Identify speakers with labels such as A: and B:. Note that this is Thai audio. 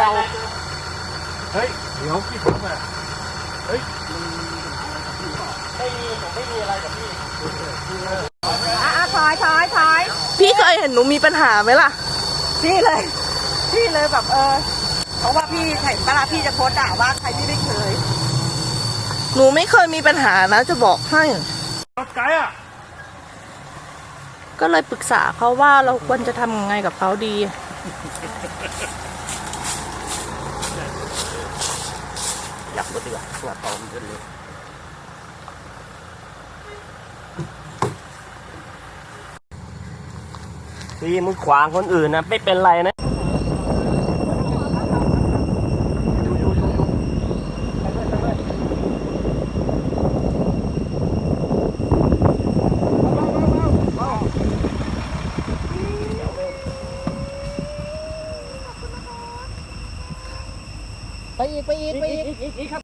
A: เฮ้ยเดี๋ยวพี่ถามมาเฮ้ยไม่มีอะไรกับพี่
B: ถอยพี่เคยเห็นหนูมีปัญหาไหมล่ะพี่เลยแบบเพราะว่าพี่เห็นเวลาพี่จะโพสด่าว่าใครพี่ไม่เคยหนูไม่เคยมีปัญหานะจะบอกให้
A: รถไกด์อ่ะ
B: ก็เลยปรึกษาเขาว่าเราควรจะทำยังไงกับเขาดี
A: อยากรถดีกว่าตัวตอมขึ้นเลยพี่มึงขวางคนอื่นนะไม่เป็นไรนะ
B: ไปอีกครับ